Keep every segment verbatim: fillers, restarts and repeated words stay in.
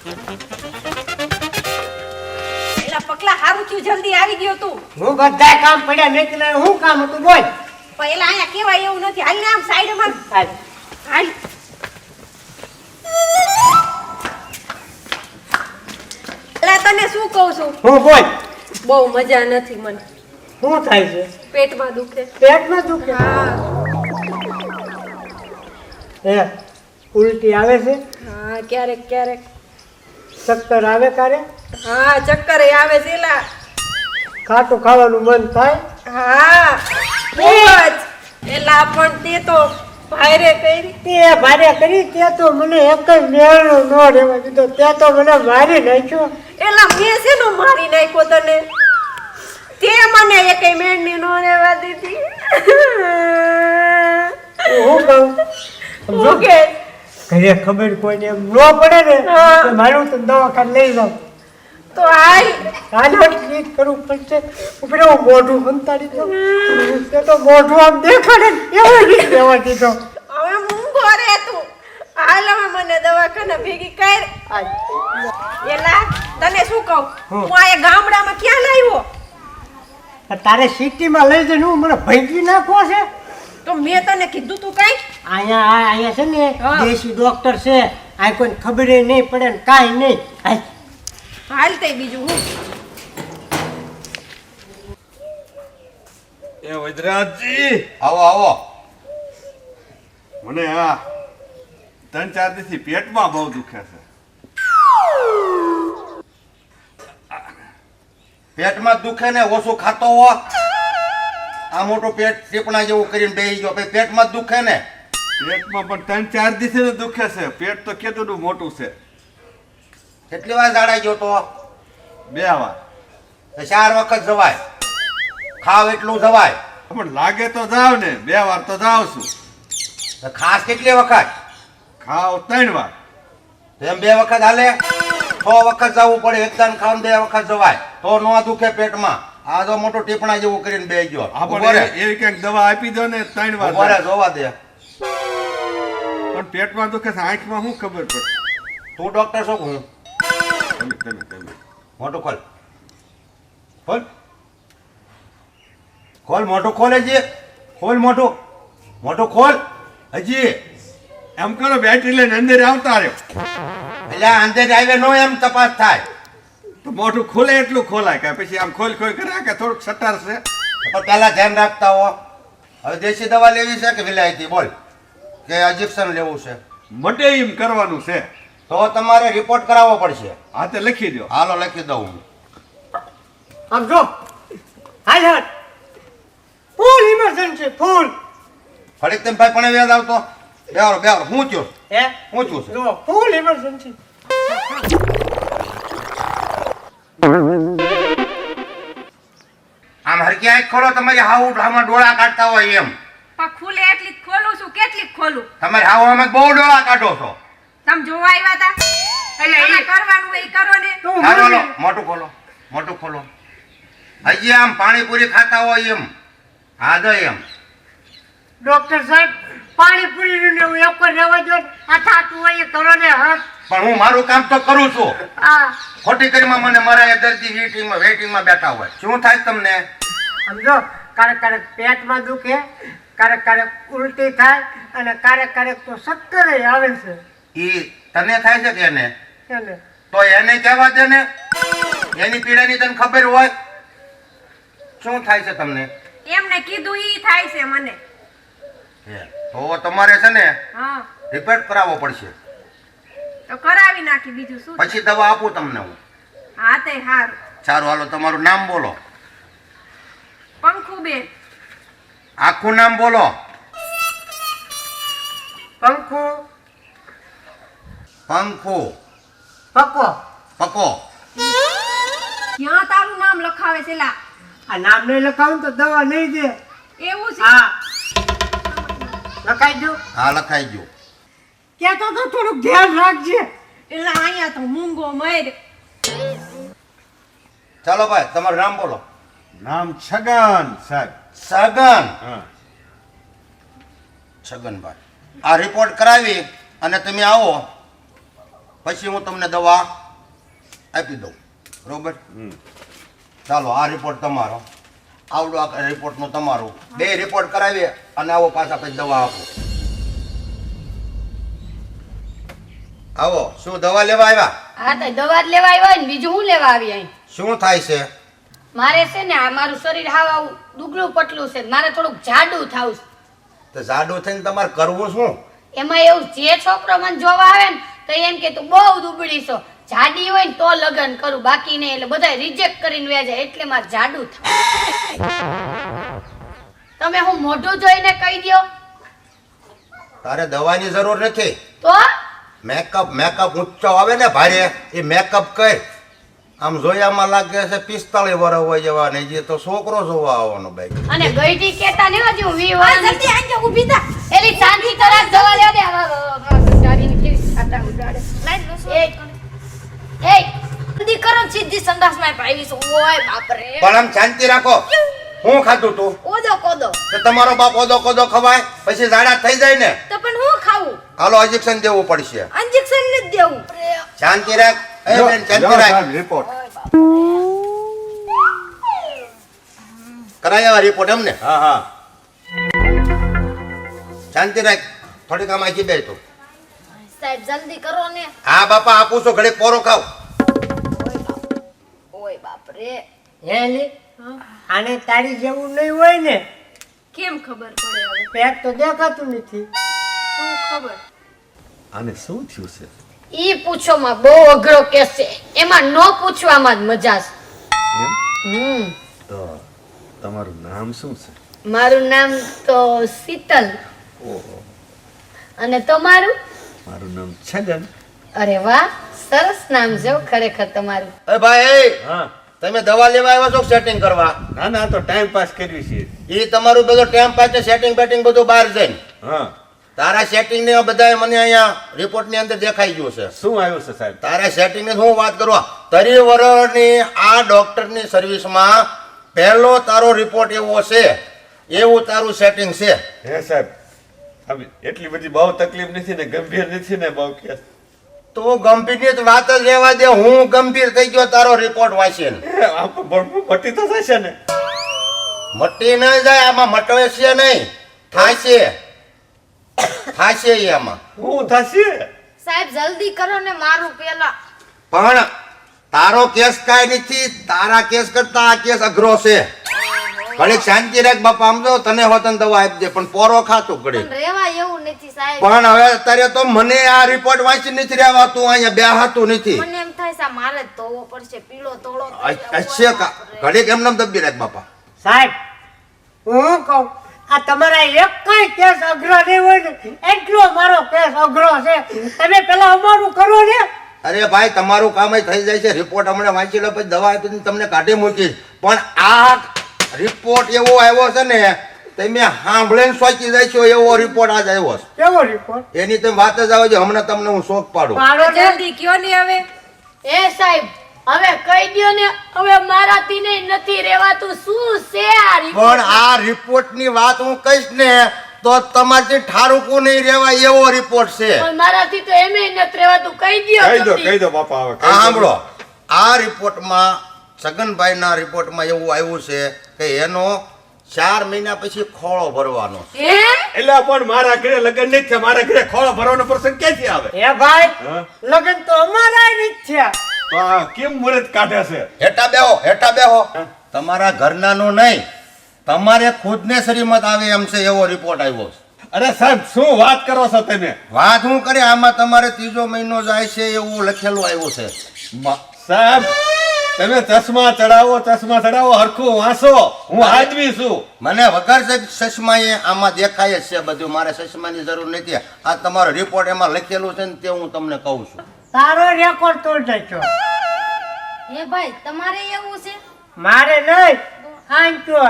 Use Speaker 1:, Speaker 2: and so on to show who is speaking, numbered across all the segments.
Speaker 1: એલા પકલા હારું થયું જલ્દી આવી ગયો તું.
Speaker 2: હું બધા કામ પડ્યા મેં કીધું હું કામ હતું બોલ.
Speaker 1: પહેલા અહીંયા કેવાય એવું નથી. હાલ ને આમ સાઈડમાં
Speaker 2: હાલ.
Speaker 1: હાલ. એલા તને શું કહું છું?
Speaker 2: હું બોલ.
Speaker 1: બહુ મજા નથી મને.
Speaker 2: શું થાય છે?
Speaker 1: પેટમાં દુખે.
Speaker 2: પેટમાં દુખે?
Speaker 1: હા
Speaker 2: એ ઉલટી આવે છે?
Speaker 1: હા ક્યારેક ક્યારેક.
Speaker 2: ચક્કર આવે કારે?
Speaker 1: હા ચક્કર આવે છે એલા.
Speaker 2: ખાટું ખાવાનું મન થાય?
Speaker 1: હા બહુ જ. એલા પણ તે તો ભારે કરી.
Speaker 2: તે ભારે કરી તે તો મને એક જ મેળનો ન રહેવા દીધો. તે તો મને મારી નાખ્યો.
Speaker 1: એલા મેં શેનો મારી નાખ્યો તને? તે મને એકેય મેળની નો રહેવા દીધી.
Speaker 2: હું કહું
Speaker 1: હું કે
Speaker 2: ઘરે ખબર કોઈને એમ ન પડે ને તો મારું તો દવાખાને લઈ જાઉં.
Speaker 1: તો હાલ
Speaker 2: હાલ ટ્રીટ કરવું પડશે. ઉપર હું મોઢું બંધાડી દઉં. તે તો મોઢું આમ દેખાડે ને એવો નહીં રહેવા દીધો.
Speaker 1: હવે મૂંગો રે તું. હાલ હવે મને દવાખાના ભેગી કર. એલા તને શું કહું, હું આ ગામડામાં ક્યાં લાવ્યો?
Speaker 2: તારે સિટીમાં લઈ જઈને હું મને ભેગી નાખવો છે?
Speaker 1: તો મેં તને કીધું તું કઈ?
Speaker 2: અહીંયા અહીંયા છે ને દેશી ડોક્ટર છે. આ કોઈને ખબર નહીં પડે ને કાંઈ નહીં. હાલ.
Speaker 1: હાલ તે બીજું હું.
Speaker 3: એ વૈદ્યરાજજી આવો આવો. મને આ ત્રણ ચાર દિવસથી પેટમાં બહુ દુખે છે.
Speaker 4: પેટમાં દુખે ને ઓછું ખાતો હો. આ મોટું પેટ ટીપણા જેવું કરીને બેસી ગયો પછી પેટમાં જ દુખે ને.
Speaker 3: પેટમાં પણ ત્રણ ચાર દિવસથી દુખે છે. પેટ તો કેટલું મોટું છે.
Speaker 4: કેટલી વાર જાડાઈ ગયો તો?
Speaker 3: બે વાર.
Speaker 4: તો ચાર વખત જવાય. ખાવ એટલું જવાય.
Speaker 3: પણ લાગે તો જાવ ને. બે વાર તો જાવ છું.
Speaker 4: તો ખાસ કેટલી વખત?
Speaker 3: ખાવ ત્રણ વાર.
Speaker 4: તો એમ બે વખત હાલે? છ વખત જવું પડે. એકદમ ખાવ બે વખત જવાય તો ન દુખે પેટમાં. આ તો મોટું ટીપણા જેવું કરીને બેસી ગયો.
Speaker 3: આપણે એવી કંઈક દવા આપી દો ને ત્રણ વાર.
Speaker 4: બરે જોવા દે.
Speaker 3: પણ પેટમાં દુખે છે. આંખમાં શું ખબર પડે?
Speaker 4: તું ડોક્ટર છો હું?
Speaker 3: તમે તમે તમે
Speaker 4: મોટું ખોલ. ખોલ ખોલ મોટું ખોલ. હજી ખોલ મોટું. મોટું ખોલ હજી.
Speaker 3: એમ કરો બેટરી લઈને અંદર આવતા રહ્યો.
Speaker 4: એટલે અંદર આવે નો એમ તપાસ થાય.
Speaker 3: તો મોઢું ખોલે એટલું ખોલાય કે પછી આમ ખોલ ખોલ કરે કે થોડુંક સટાર છે.
Speaker 4: પણ પહેલા ધ્યાન રાખતા હો. હવે દેશી દવા લેવી છે કે વિલાયતી? બોલ. કે ઇન્જેક્શન લેવું છે?
Speaker 3: મટે એમ કરવાનું છે.
Speaker 4: તો તમારે રિપોર્ટ કરાવવો પડશે.
Speaker 3: હા તે લખી દો.
Speaker 4: હાલો લખી દઉં હું.
Speaker 2: આમ જો. હાલ હાલ. Full emergency full.
Speaker 4: ફરી તેમ ભાઈ પણ વ્યાજ આવતો. બેવર બેવર હું થયો?
Speaker 2: હે
Speaker 4: હું છું છે?
Speaker 2: જો ફૂલ ઇમરજન્સી.
Speaker 4: આમ હરકી આંખ ખોલો. તમારી હાવ આમાં ડોળા કાઢતા હોય એમ.
Speaker 1: પણ ખુલે એટલી જ ખોલું છું. કેટલી ખોલું?
Speaker 4: તમારી હાવ આમાં બહુ ડોળા કાઢો છો.
Speaker 1: તમે જોવા આવ્યા હતા એટલે એ કરવાનું હોય એ કરો ને.
Speaker 2: તું
Speaker 4: હાલો
Speaker 2: મને-
Speaker 4: હાલો મોટું ખોલો. મોટું ખોલો. હજી આમ પાણીપુરી ખાતા હોય એમ. હા જો એમ.
Speaker 2: ડોક્ટર સાહેબ પાણીપુરીનું ને હું એક જ રહેવા દો. આ થાતું હોય એ કરો ને હાથ.
Speaker 4: પણ હું મારું કામ તો કરું છું.
Speaker 2: આ
Speaker 4: ખોટી કરીમાં મને મારા દર્દી વેટિંગમાં વેટિંગમાં બેઠા હોય. શું થાય તમને?
Speaker 2: સમજો ક્યારેક ક્યારેક પેટમાં દુખે, ક્યારેક ક્યારેક ઉલટી થાય અને ક્યારેક ક્યારેક તો ચક્કર આવે છે.
Speaker 4: ઈ તને થાય છે કે એને?
Speaker 2: એને
Speaker 4: તો એને કહેવા દે ને. એની પીડાની તને ખબર હોય. શું થાય છે તમને?
Speaker 1: એમને કીધું ઈ થાય છે મને.
Speaker 4: હે, તો તમારે છે ને
Speaker 1: હા
Speaker 4: રિપોર્ટ કરાવવો પડશે.
Speaker 1: તો કરાવી નાખી બીજું શું.
Speaker 4: પછી દવા આપું તમને હું.
Speaker 1: હા તે હારું.
Speaker 4: સારું હાલો તમારું નામ બોલો.
Speaker 1: પંખુબેન.
Speaker 4: આખું નામ બોલો.
Speaker 2: પંખો
Speaker 4: પંખુ
Speaker 2: પકો.
Speaker 4: પકો.
Speaker 1: ક્યાં તારું નામ લખાવે છે લા?
Speaker 2: આ નામ નહીં લખાવું તો દવા નહીં દે.
Speaker 1: એવું છે?
Speaker 2: હા લખાઈ દો.
Speaker 4: હા લખાઈ ગયું.
Speaker 2: કહેતો તો થોડુંક ધ્યાન રાખજે.
Speaker 1: એટલે અહીંયા તો મૂંગો મર.
Speaker 4: ચાલો ભાઈ તમારું નામ બોલો.
Speaker 3: નામ છગન સાહેબ.
Speaker 4: સગન.
Speaker 3: હા
Speaker 4: છગનભાઈ આ રિપોર્ટ કરાવી અને તમે આવો પછી હું તમને દવા આપી દઉં બરોબર. ચાલો આ રિપોર્ટ તમારો, આવડો આ રિપોર્ટનું તમારું, બે રિપોર્ટ કરાવીએ અને આવો પાછા પછી દવા આપો. આવો, શું દવા લેવા આવ્યા?
Speaker 5: હા તો દવા જ લેવા આવ્યા ને બીજું હું લેવા આવી અહીં?
Speaker 4: શું થાય છે?
Speaker 5: મારે છે ને આ મારું શરીર હાવ આવું દુગલું પટલું છે, મારે થોડુંક જાડું થાવું છે.
Speaker 4: તો જાડું થઈને તમારે કરવું શું?
Speaker 5: એમાં એવું જે છોકરો મને જોવા આવે ને તો એમ કે તું બહુ દુબળી છો, જાડી હોય ને તો લગ્ન કરું, બાકી નહીં. એટલે બધા રિજેક્ટ કરીને વ્યા જાય, એટલે મારે જાડું થાય. તમે હું મોઢું જોઈને કહી દો
Speaker 4: તારે દવાની જરૂર નથી.
Speaker 5: તો
Speaker 4: મેકઅપ મેકઅપ ઊંચો આવે ને ભારે, એ મેકઅપ કર. આમ જોયામાં લાગે છે પિસ્તાળીસ વર્ષ હોય જેવા ને, જે તો છોકરો જોવા આવવાનો ભાઈ.
Speaker 5: અને ગઈઢી કેતા ને હજી હું વી વાર
Speaker 1: જલ્દી આંજે ઊભી થા.
Speaker 5: એલી શાંતિ કરાક દવા લે દે. ગાડીની કેવી ખાતા ઉડાડે.
Speaker 1: લાઈન લો
Speaker 5: એ એ જલ્દી કરો, સીધી સંડાસમાં પાવી છું. ઓય બાપ રે.
Speaker 4: પણ આમ શાંતિ રાખો. હું ખાધું તું?
Speaker 5: ઓદો કોદો.
Speaker 4: તો તમારો બાપ ઓદો કોદો ખવાય પછી ઝાડા થઈ જાય ને.
Speaker 1: તો પણ હું ખાવું?
Speaker 4: હાલો ઇન્જેક્શન દેવું પડશે.
Speaker 1: ઇન્જેક્શન નથી દેવું.
Speaker 4: શાંતિ રાખ. એ બેન શાંતિ રાખ.
Speaker 3: રિપોર્ટ
Speaker 4: કરાયા રિપોર્ટ એમને?
Speaker 3: હા હા
Speaker 4: શાંતિ રાખ. થોડીક આમ આખી બે તું.
Speaker 5: સાહેબ જલ્દી કરો ને.
Speaker 4: હા બાપા આપું છું, ઘડીક પોરો ખાવ.
Speaker 5: ઓય બાપ રે.
Speaker 2: હે લી આને તારી જેવું નહીં હોય ને,
Speaker 1: કેમ ખબર પડે હવે?
Speaker 2: પેટ તો દેખાતું નથી.
Speaker 1: શું ખબર?
Speaker 3: આને શું થયું છે?
Speaker 5: ઈ પૂછોમાં બહુ અઘરો કેસ છે, એમાં નો પૂછવામાં જ મજા છે. હમ
Speaker 3: તો તમારું નામ શું છે?
Speaker 5: મારું નામ તો શીતલ.
Speaker 3: ઓહો,
Speaker 5: અને તમારું?
Speaker 3: મારું નામ છગન.
Speaker 5: અરે વાહ, સરસ નામ છે હો ખરેખર તમારું.
Speaker 4: એ ભાઈ
Speaker 3: હા
Speaker 4: તમે દવા લેવા આવ્યા છો સેટિંગ કરવા?
Speaker 3: ના ના, તો ટાઈમ પાસ કરવી છે.
Speaker 4: એ તમારું બધું ટાઈમ પાસ સેટિંગ બેટિંગ બધું બહાર જઈને
Speaker 3: હા,
Speaker 4: તારા સેટિંગ ને બધા મને અહીંયા રિપોર્ટ ની અંદર દેખાઈ ગયું છે.
Speaker 3: શું આવ્યું છે સાહેબ?
Speaker 4: તારા સેટિંગ ની હું વાત કરું, તરી વર્ષની આ ડોક્ટર ની સર્વિસમાં પહેલો તારો રિપોર્ટ એવો છે, એવું તારું સેટિંગ છે.
Speaker 3: હે સાહેબ, હવે એટલી બધી બહુ તકલીફ નથી ને, ગંભીર નથી ને બહુ કેસ?
Speaker 4: તો ગંભીર વાત જ રહેવા દે. હું ગંભીર થઈ ગયો તારો રિપોર્ટ વાંચીને.
Speaker 3: એ, આમ તો ભરપૂર પટ્ટી તો થશે ને?
Speaker 4: મટી ન જાય આમાં, મટવે છે નહીં, થાશે થાશે એમાં.
Speaker 3: શું થશે?
Speaker 5: સાહેબ જલ્દી કરો ને, મારું પેલા.
Speaker 4: પણ તારો કેસ કાંઈ નથી, તારા કેસ કરતા આ કેસ અઘરો છે. ઘડીક શાંતિ રાખ બાપા. આમ જો તને હોતન દવા આપી દે, પણ પોરો ખાતું ઘડીક.
Speaker 5: પણ રેવા એવું નથી સાહેબ.
Speaker 4: પણ હવે અત્યારે તો મને આ રિપોર્ટ વાંચી નથી રહેવાતું, અહીંયા બેહાતું નથી.
Speaker 5: મને એમ થાય છે મારે જ ધોવો પડશે, પીળો તોળો.
Speaker 4: અચ્છા કા ઘડીક એમને એમ દબી રાખ બાપા.
Speaker 2: સાહેબ હું કહું, આ તમારા એક કઈ કેસ અઘરો નહીં હોય ને, એટલો મારો કેસ અઘરો છે. તમે પેલા અમારું કરો ને.
Speaker 4: અરે ભાઈ તમારું કામ થઈ જાય છે. રિપોર્ટ હમણાં વાંચી લો પછી દવા આપીને તમને કાઢી મૂકીશ. પણ આ રિપોર્ટ એવો આવ્યો છે ને, તમે સાંભળીને સોચી જાય છો એવો રિપોર્ટ આજ આવ્યો છે.
Speaker 2: કેવો રિપોર્ટ?
Speaker 4: એની તમે વાત જ આવે છે. હમણાં તમને હું શોખ પાડું.
Speaker 2: પાડો ને.
Speaker 1: જલ્દી કયો ને હવે.
Speaker 5: એ સાહેબ હવે કહી દ્યો ને, હવે મારાથી નહીં નથી રેવાતું. શું છે આ
Speaker 4: પણ
Speaker 5: report?
Speaker 4: આ રિપોર્ટ ની વાત હું કહીશ ને તો તમારથી ઠારુકું નહીં રહેવાય એવો રિપોર્ટ છે.
Speaker 5: પણ મારાથી તો એમે નથી રેવાતું. કહી દ્યો
Speaker 3: કહી દો
Speaker 5: જલ્દી.
Speaker 3: કહી દો બાપા, હવે
Speaker 4: આ
Speaker 3: કહી દો.
Speaker 4: સાંભળો, આ રિપોર્ટમાં છગનભાઈના રિપોર્ટમાં એવું આવ્યું છે કે એનો ચાર મહિના પછી ખોળો ભરવાનો છે.
Speaker 5: હે?
Speaker 3: એટલે પણ મારા ઘરે લગ્ન નહીં થયા, મારા ઘરે ખોળો ભરવાનો પ્રસંગ ક્યાંથી આવે?
Speaker 2: એ ભાઈ
Speaker 3: હા?
Speaker 2: લગન તો અમારા નથી થયા.
Speaker 3: તો આ કેમ મુહૂર્ત કાઢે છે?
Speaker 4: હેઠા બેહો, હેઠા બેહો. તમારા ઘરનાનું નહીં, તમારે ખુદને શ્રીમત આવે એમ છે એવો રિપોર્ટ આવ્યો છે.
Speaker 3: અરે સાહેબ, શું વાત કરો છો તમે?
Speaker 4: વાત હું કરે, આમાં તમારે ત્રીજો મહિનો જાય છે એવું લખેલું આવ્યું છે.
Speaker 3: મ- સાહેબ, તમે ચશ્મા ચડાવો ચશ્મા ચડાવો, હરખું વાંચો. હું આદમી છું.
Speaker 4: મને વગર ચશ્માએ આમાં દેખાય જ છે બધું. મારે ચશ્માની જરૂર નથી. આ તમારો રિપોર્ટ એમાં લખેલું છે ને તે હું તમને કહું છું.
Speaker 2: તારો રેકોર્ડ તોડ નાખ્યો.
Speaker 5: હે ભાઈ તમારે એવું છે?
Speaker 2: મારે નહીં, આંચો.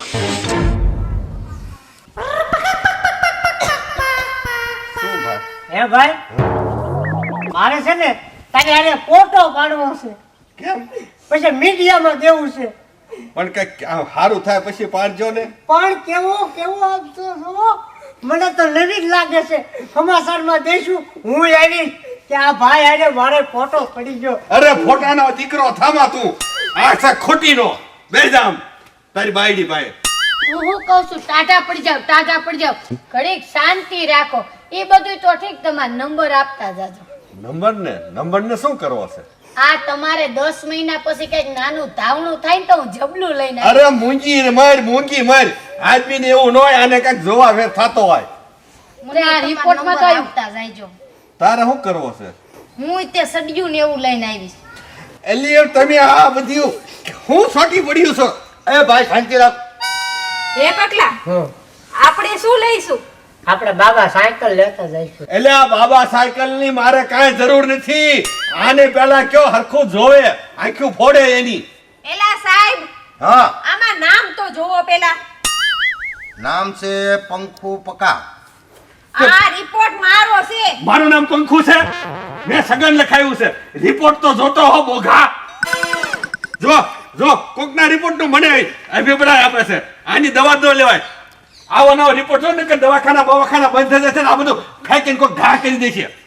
Speaker 3: શું ભાઈ?
Speaker 2: હે ભાઈ મારે છે ને તારે આને ફોટો પાડવો છે,
Speaker 3: કેમ?
Speaker 2: પછી મીડિયામાં દેવું છે.
Speaker 3: પણ કઈક સારું થાય પછી પાડજો ને.
Speaker 2: પણ કેવો કેવો આપતો છો, મને તો નવી જ લાગે છે. સમાચારમાં દઈશું, હું આવીશ કે આ ભાઈ આજે મારે ફોટો પડી ગયો.
Speaker 3: અરે ફોટાનો દીકરો થામા તું આ છે ખોટીનો બેજામ તારી બાયડી ભાઈ
Speaker 5: હું હું કહું છું ટાટા પડી જાવ ટાટા પડી જાવ ઘડીક શાંતિ રાખો એ બધું તો ઠીક તમારે નંબર આપતા જાજો
Speaker 3: નંબર ને નંબર ને શું કરવો છે
Speaker 5: આ તમારે દસ મહિના પછી કઈક નાનું ધાવણું થાય ને તો હું જબલું લઈને આવીશ.
Speaker 3: અરે મૂંગી માર મૂંગી માર આદમી ને એવું ન હોય આને કઈક જોવા ફેર થતો હોય
Speaker 5: મને આ રિપોર્ટમાં તો આપતા જાયજો
Speaker 3: તારે શું કરવો છે
Speaker 5: હું તે સડિયું ને એવું લઈને આવીશ.
Speaker 3: એલી તમે આ બધું હું છોટી પડ્યું છો
Speaker 4: એ ભાઈ શાંતિ રાખ.
Speaker 1: હે પકલા
Speaker 2: હમ.
Speaker 1: આપણે શું લઈશું
Speaker 2: આપણે બાબા સાયકલ લેતા જઈશું.
Speaker 3: એટલે આ બાબા સાયકલ ની મારે કાંઈ જરૂર નથી આને પેલા કયો હરખું જોવે આંખું ફોડે એની
Speaker 1: એલા સાહેબ
Speaker 4: હા
Speaker 1: આમાં નામ તો જોવો પેલા
Speaker 4: નામ છે પંખુ પકા.
Speaker 1: આ રિપોર્ટ મારો છે
Speaker 3: મારું નામ પંખુ છે મેં સગન લખાયું છે રિપોર્ટ તો જોતો હો બોઘા જો જો કોકના રિપોર્ટ નું મને અભિપ્રાય આપે છે આની દવા ન લેવાય આવો નવો રિપોર્ટ જો ને કે દવાખાના બવાખાના બંધ થઈ જશે ને આ બધું ખાઈ કોઈ ઘા કરી દે છે